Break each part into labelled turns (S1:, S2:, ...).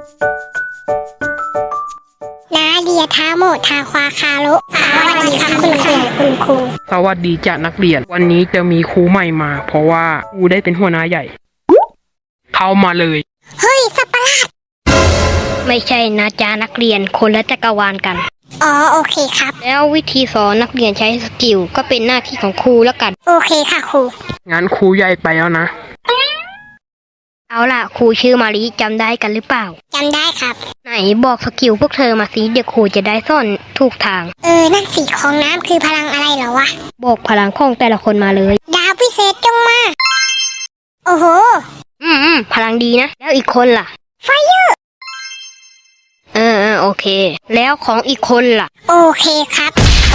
S1: นาเดียทาโมทาควาคาโรุสวัสดีครับคุณครู
S2: สวัสดีจ้ะนักเรียนวันนี้จะมีครูใหม่มาเพราะว่าครูได้เป็นหัวหน้าใหญ่เข้ามาเลย
S1: เฮ้ยสัปปะหลาด
S3: ไม่ใช่นะจ๊ะนักเรียนคนละจักรวาลกัน
S1: อ๋อโอเคครับ
S3: แล้ววิธีสอนนักเรียนใช้สกิลก็เป็นหน้าที่ของครูแล้วกัน
S1: โอเคค่ะครู
S2: งั้นครูใหญ่ไปแล้วนะ
S3: เอาล่ะครูชื่อมาริจำได้กันหรือเปล่า
S1: จำได้ครับ
S3: ไหนบอกสกิลพวกเธอมาสิเดี๋ยวครูจะได้สอนถูกทาง
S1: นั่นสีของน้ำคือพลังอะไรเหรอวะ
S3: บอกพลังของแต่ละคนมาเลย
S1: ดาวพิเศษจงมาโอ้โห
S3: พลังดีนะแล้วอีกคนล่ะ
S1: ไฟเยอร์
S3: โอเคแล้วของอีกคนล่ะ
S1: โอเคครับ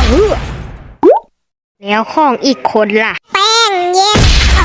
S3: แล้วของอีกคนล่ะ
S1: แป้งเย็น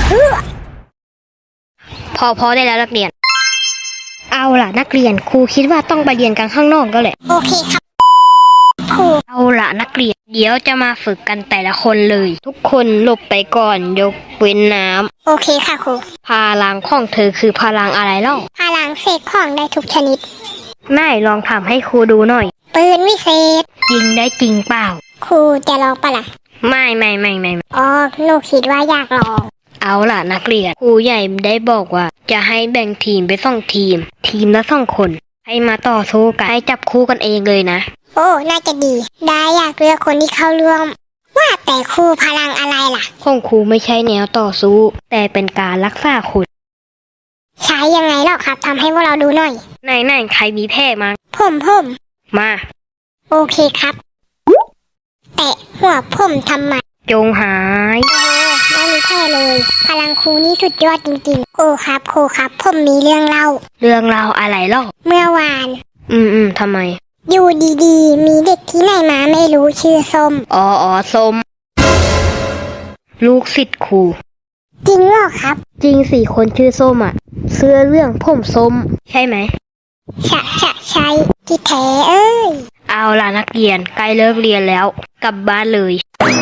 S3: พอได้แล้วนักเรียนเอาล่ะนักเรียนครูคิดว่าต้องไปเรียนกันข้างนอกก็แหละ
S1: โอเคครับครู
S3: เอาล่ะนักเรียนเดี๋ยวจะมาฝึกกันแต่ละคนเลยทุกคนหลบไปก่อนยกเว้นน้
S1: ำโอเคค่ะครู
S3: พลังของเธอคือพลังอะไรเล่า
S1: พลังเสกของได้ทุกชนิด
S3: นายลองทำให้ครูดูหน่อย
S1: ปืนวิเศษ
S3: ยิงได้จริงเปล่า
S1: ครูจะลองปะล่ะ
S3: ไม่
S1: อ๋อหนูคิดว่าอยากลอง
S3: เอาล่ะนักเรียนครูใหญ่ได้บอกว่าจะให้แบ่งทีมไป2 ทีมละ2 คนให้มาต่อสู้กันให้จับคู่กันเองเลยนะ
S1: โอ้น่าจะดีได้อยากเลือกคนที่เข้าร่วมว่าแต่ครูพลังอะไรล่ะ
S3: ของครูไม่ใช่แนวต่อสู้แต่เป็นการรักษาคุณ
S1: ใช้ยังไงหรอครับทำให้พวกเราดูหน่อย
S3: ไหนใครมีแพ้มา
S1: ผม
S3: มา
S1: โอเคครับแตะหัวผมทำไม
S3: จงหาย
S1: ไม่มีแพ้เลยพลังครูนี่สุดยอดจริงๆครูครับผมมีเรื่องเล่า
S3: อะไรเล่า
S1: เมื่อวาน
S3: ทำไม
S1: อยู่ดีๆมีเด็กที่ไหนมาไม่รู้ชื่อส้ม
S3: อ๋อส้มลูกศิษย์ครู
S1: จริงเหรอครับ
S3: จริงสิคนชื่อส้มอ่ะเสื้อเรื่องผมส้มใช่ไหม
S1: ใช่ที่แท้เอ้ย
S3: เอาล่ะนักเรียนใกล้เลิกเรียนแล้วกลับบ้านเลย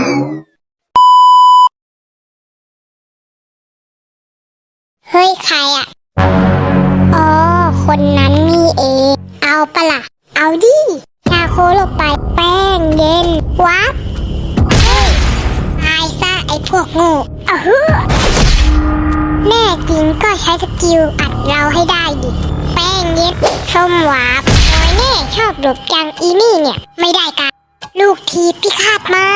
S1: เฮ้ยใครอ่ะอ๋อคนนั้นนี่เองเอาปะล่ะเอาดิชาโคลงไปแป้งเย็นวับเฮ้ยตายซะไอ้พวกโง่แน่จริงก็ใช้สกิลอัดเราให้ได้ดิแป้งเย็นส้มวับโอ้ยแน่ชอบหลบจังอีนี่เนี่ยไม่ได้กันลูกทีพิฆาตมา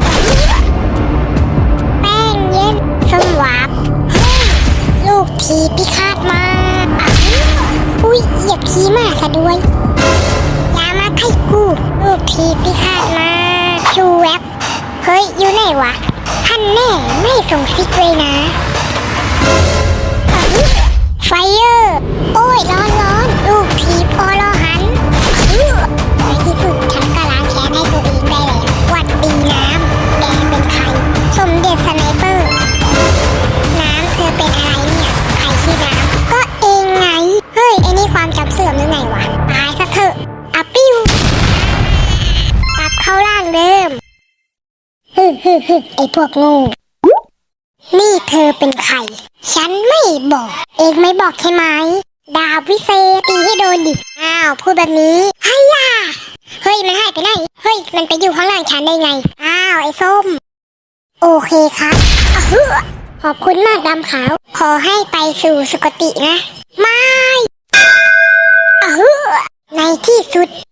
S1: แป้งเย็นส้มวับลูกทีพิฆาตมาอุ้ยเหยียบขี้มาซะด้วยอย่ามาไข่กูลูกทีพิฆาตมาชูแวบเฮ้ยอยู่ไหนวะท่านแน่ไม่ส่งซิกเลยนะไฟเยอร์โอ้ยร้อนลูกทีพอรอหันในที่สุดฉันก็ล้างแค้นให้ตัวเองได้แล้ววัดดีน้ำแดงเป็นใครสมเด็จสไนเปอร์น้ำเธอเป็นอะไรเนี่ยใครชื่อน้ำก็เองไงเฮ้ยไอ้นี่ความจำเสื่อมหรือไงวะตายซะเถอะอะปิ้วกลับเข้าร่างเดิมไอ้พวกโง่นี่เธอเป็นใครฉันไม่บอกเองไม่บอกใช่ไหมดาบวิเศษตีให้โดนดิอ้าวพูดแบบนี้เฮ้ยมันหายไปไหนเฮ้ยมันไปอยู่ข้างหลังฉันได้ไงอ้าวไอ้ส้มโอเคครับขอบคุณมากดำขาวขอให้ไปสู่สุคตินะไม่ในที่สุด